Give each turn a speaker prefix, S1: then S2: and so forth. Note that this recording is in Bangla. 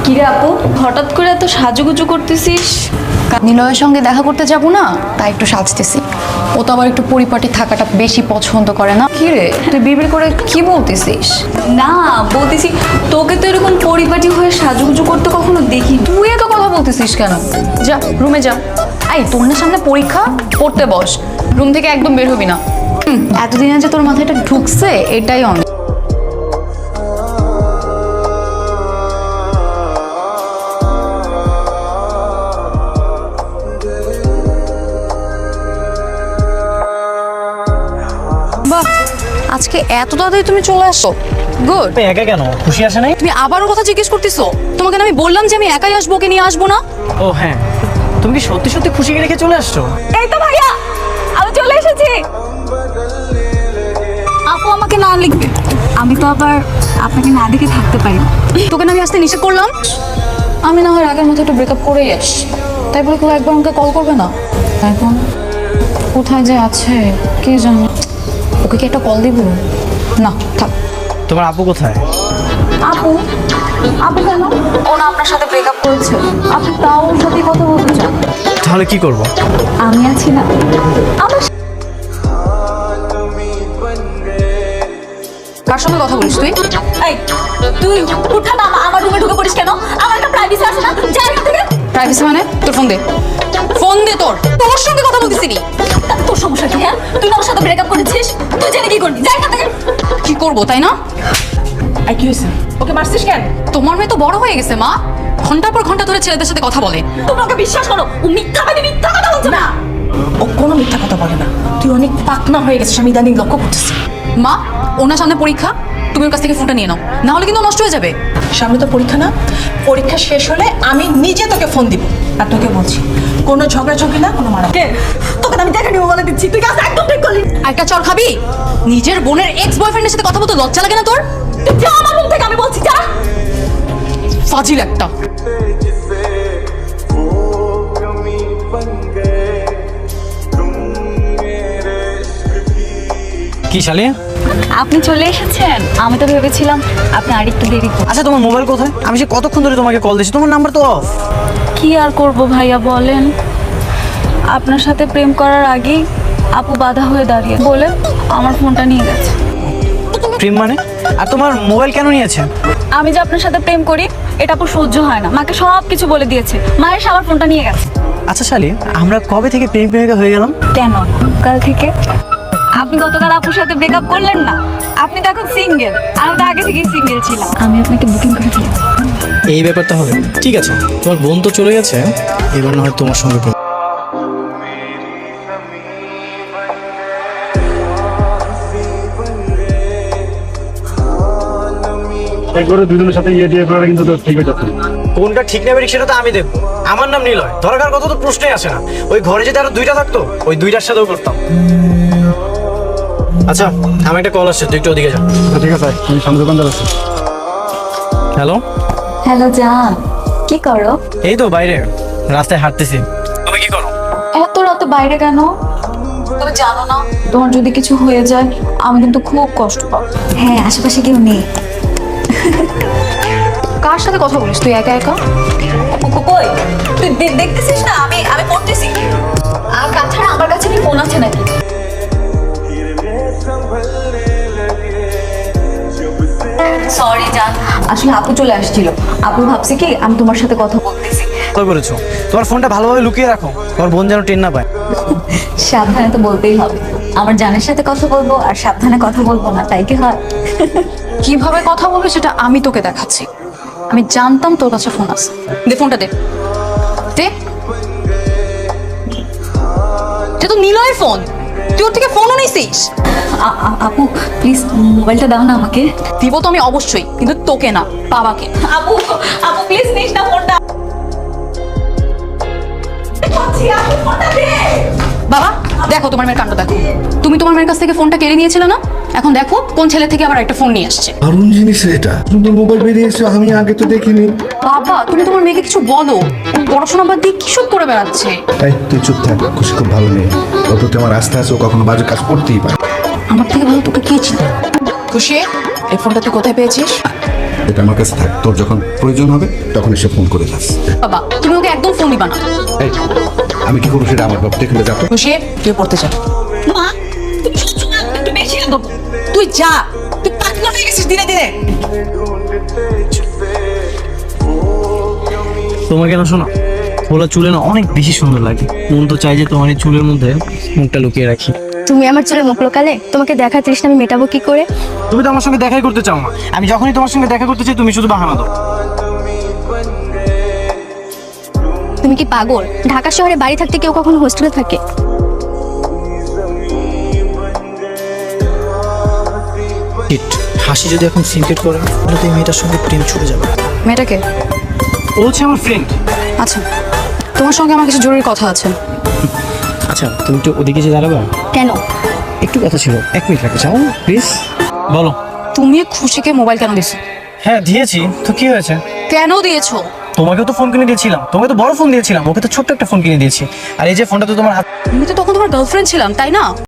S1: কিরে আপু, হঠাৎ করে এত সাজুগুজু করতেছিস?
S2: নিলয়ের সঙ্গে দেখা করতে যাব না, তাই একটু সাজতেছি। ও তো আবার একটু পরিপাটি থাকাটা বেশি পছন্দ করে না। কি রে, তুই বিড়বিড় করে কি বলতেছিস?
S1: না, বলতেছি তোকে তো এরকম পরিপাটি হয়ে সাজুগুজু করতে কখনো দেখি।
S2: তুই এত কথা বলতেছিস কেন? যা রুমে যা। এই তোর না সামনে পরীক্ষা, পড়তে বস। রুম থেকে একদম বের হবি না। এতদিনে যে তোর মাথায় এটা ঢুকছে এটাই অনেক। বাহ, আজকে এত তাড়াতাড়ি তুমি চলে আসো। গুড।
S3: তুমি একা কেন? খুশি আসে নাই?
S2: তুমি আবারও কথা জিজ্ঞেস করতেছো? তোমাকে না আমি বললাম যে আমি একাই আসবো, ওকে নিয়ে আসবো না?
S3: ও হ্যাঁ, তুমি কি সত্যি সত্যি খুশিকে রেখে চলে আসছো?
S1: এই তো ভাইয়া, আমি চলে এসেছি। আপু আমাকে না লিখবে, আমি তো আবার আপনাকে না দেখে থাকতে পারি না।
S2: তোকে না আমি আসতে নিষেধ করলাম? আমি না হয় আগের মতো একটু ব্রেকআপ করেই আস, তাই বলে কেউ একবার আমাকে কল করবে না? এখন কোথায় যে আছে কে জানে। ওকে কি একটা কল দিব? না থাক।
S3: তোমার আপু কোথায়?
S1: আপু, আপু কেন? ও না আপনার সাথে ব্রেকআপ করেছে, আপনি তাও ওর সাথে কথা বলতে চান?
S3: তাহলে কি করব?
S1: আমি আছি না, আমার
S2: কার সঙ্গে কথা বলিস তুই?
S1: এই তুই উঠা না, আমার রুমে ঢুকে পড়িস কেন? আমার একটা প্রাইভেসি আছে না? যা এখান থেকে।
S2: প্রাইভেসি মানে? তোর ফোন দে, ফোন দে। তোর সঙ্গে কথা বলতেছিলি।
S1: তোর সমস্যা কি? হ্যাঁ, তুই না ওর সাথে ব্রেকআপ করেছিস, তুই জেনে কি করবি? যা এখান থেকে।
S2: কি করবো তাই না?
S1: এই কি হয়েছে? ওকে মারছিস কেন?
S2: তোমার মেয়ে তো বড় হয়ে গেছে মা, ঘন্টার পর ঘন্টা ধরে ছেলেদের সাথে কথা বলে।
S1: তোমরা ওকে বিশ্বাস করো? ও মিথ্যা কথা বলছে না। ও কোনো মিথ্যা কথা বলে না, তুই অনেক পাকনা হয়ে গেছিস, আমি ইদানিং লক্ষ্য করতেছি।
S2: মা, ওনার সামনে পরীক্ষা, তুমি ওর কাছ থেকে ফোনটা নিয়ে নাও, না হলে কিন্তু নষ্ট হয়ে যাবে।
S4: সামনে তো পরীক্ষা না, পরীক্ষা শেষ হলে আমি নিজে তোকে ফোন দিব। আর তোকে বলছি, কোনো ঝগড়াঝগড়ি না, কোনো মারা।
S1: তোকে তো আমি দেখা নিবো বলে দিচ্ছি, তুই কাজ একদম ঠিক করলি।
S2: একটা চল খাবি? নিজের বোনের এক্স বয়ফ্রেন্ডের সাথে কথা বলতে লজ্জা লাগে না তোর?
S1: তুই যা আমার রুম থেকে, আমি বলছি যা।
S2: ফাজিল একটা।
S3: কি শালি?
S1: আপনি চলে এসেছেন? আমি তো ভেবেছিলাম আপনি আরেকটু দেরি করবেন।
S3: আচ্ছা, তোমার মোবাইল কোথায়? আমি সে কতক্ষণ ধরে তোমাকে কল দিচ্ছি, তোমার নাম্বার তো অফ।
S1: কি আর করব ভাইয়া বলেন, আপনার সাথে প্রেম করার আগেই আপু বাধা হয়ে দাঁড়িয়ে বলে আমার ফোনটা নিয়ে গেছে।
S3: প্রেম মানে? আর তোমার মোবাইল কেন নিয়েছে?
S1: আমি যে আপনার সাথে প্রেম করি এটা আপু সহ্য হয় না, মাকে সব কিছু বলে দিয়েছে, মায়ের এসে আমার ফোনটা নিয়ে গেছে।
S3: আচ্ছা শালি, আমরা কবে থেকে প্রেম প্রেমিকা হয়ে গেলাম?
S1: কেন? কাল থেকে। আপনি গতকাল আপুর সাথে ব্রেকআপ করলেন না, আপনি তো এখন সিঙ্গেল, আমি তো আগে থেকেই সিঙ্গেল ছিলাম। আমি আপনাকে বুকিং করে দিয়েছি।
S3: এই ব্যাপারটা হবে, ঠিক আছে। তোমার বোন তো চলে গেছে, এবার না হয় তোমার সঙ্গে প্রেম।
S5: একবারে দুজনের সাথে ইয়ে দিয়ে করা কিন্তু তো ঠিক হয়ে যাচ্ছে না।
S3: কোনটা ঠিক নেবে সেটা তো আমি দেখবো। আমার নাম নিলয়, দরকার কথা তো প্রশ্নই আসে না। ওই ঘরে যদি আরো দুইটা থাকতো, ওই দুইটার সাথেও করতাম। আচ্ছা, আমি একটা কল আসছে, তুই একটু ওদিকে যা।
S5: ঠিক আছে, আমি সামনে দোকানদার আছি।
S3: হ্যালো।
S1: হ্যালো জান, কি করো?
S3: এই তো বাইরে রাস্তায় হাঁটতেছি। তুমি কি করো?
S1: এত রাতে বাইরে কেন? তুমি জানো না তোমার যদি কিছু হয়ে যায় আমি কিন্তু খুব কষ্ট পাবো। হ্যাঁ, আশেপাশে কেউ নেই।
S2: কার সাথে কথা বলিস তুই একা একা?
S1: কই তুই দেখতেছিস না আমি আমি পড়তেছি। আর তাছাড়া আমার কাছে কি ফোন আছে নাকি? সরি জান, আসলে আপু চলে আসছিল, আপু ভাবছে কি আমি তোমার সাথে কথা বলতেছি।
S3: কল করেছো? তোমার ফোনটা ভালোভাবে লুকিয়ে রাখো, তোমার বোন যেন টেন না পায়।
S1: সাবধানে তো বলতেই হবে, আমার জানের সাথে কথা বলবো আর সাবধানে কথা বলবো না, তাই কি হয়?
S2: কিভাবে কথা বলবে সেটা আমি তোকে দেখাচ্ছি। আমি জানতাম তোর কাছে ফোন আছে। দে ফোনটা, দে দে। এটা তো নিলয়ের ফোন, তুই ওর থেকে ফোনও নিছিস?
S1: আপু প্লিজ মোবাইলটা দাও না আমাকে।
S2: দিব তো আমি অবশ্যই, কিন্তু তোকে না, বাবাকে।
S1: আপু আপু প্লিজ নিস না ফোনটা।
S2: বাবা দেখো তোমার মেয়ের কাণ্ড দেখো। তুমি তোমার মেয়ের কাছ থেকে ফোনটা কেড়ে নিয়েছিলে না, এখন দেখো কোন ছেলে থেকে আবার একটা ফোন নিয়ে আসছে।
S6: দারুণ জিনিস এটা, সুন্দর মোবাইল বেরিয়েছে, আমি আগে তো দেখিনি।
S2: বাবা তুমি তোমার মেয়েকে কিছু বলো, ও পড়াশোনা বাদ দিয়ে কিসব করে বেড়াচ্ছে।
S6: তাই তুই চুপ থাক, খুশি খুব ভালো নেই, ওর প্রতি আমার আস্থা আছে, ও কখনো বাজে কাজ করতেই পারে।
S2: আমার থেকে ভালো তোকে কে চিনে? খুশি, এই ফোনটা তুই কোথায় পেয়েছিস?
S6: এটা আমার কাছে থাক, তোর যখন প্রয়োজন হবে তখন এসে ফোন করে যাস।
S2: বাবা তুমি ওকে একদম ফোন দিবা না।
S6: এই, আমি কি করবো সেটা আমার বাপ দেখলে যাতো।
S4: খুশি তুই পড়তে যা।
S2: মা তুমি সবসময় একটু বেশি আদব।
S4: তুই যা, তুই পাকনা হয়ে গেছিস দিনে দিনে।
S3: তোমাকে না শোনো, ওলা চুলে না অনেক বেশি সুন্দর লাগে। মন তো চাই যে তোমার এই চুলের মধ্যে মুখটা লুকিয়ে রাখি।
S7: তুমি আমার চুলে মুখ লোকালে তোমাকে দেখার তৃষ্ণা আমি মেটাবো কি করে?
S3: তুমি তো আমার সঙ্গে দেখাই করতে চাও না। আমি যখনই তোমার সঙ্গে দেখা করতে চাই তুমি শুধু বাহানা দাও।
S7: তুমি কি পাগল? ঢাকা শহরে বাড়ি থাকতে কেউ কখনো হোস্টেলে থাকে?
S3: হাসি যদি এখন সিনক্রেট করে তাহলে তো এই মেয়েটার সঙ্গে প্রেম ছুটে যাবে।
S2: মেয়েটাকে?
S3: ও হচ্ছে আমার ফ্রেন্ড।
S2: আচ্ছা তোমার সঙ্গে আমার কিছু জরুরি কথা আছে।
S3: আচ্ছা তুমি একটু ওদিকে যে দাঁড়াবে?
S7: কেন?
S3: একটু কথা ছিল, 1 মিনিট লাগবে, যাও প্লিজ। বলো।
S2: তুমি খুশিকে মোবাইল কেন দিছো?
S3: হ্যাঁ দিয়েছি তো, কি হয়েছে?
S2: কেন দিয়েছো?
S3: তোমাকেও তো ফোন কিনে দিয়েছিলাম, তোমাকে তো বড় ফোন দিয়েছিলাম, ওকে তো ছোট্ট একটা ফোন কিনে দিয়েছি। আর এই যে ফোনটা তো তোমার হাত।
S2: আমি তো তখন তোমার গার্লফ্রেন্ড ছিলাম তাই না?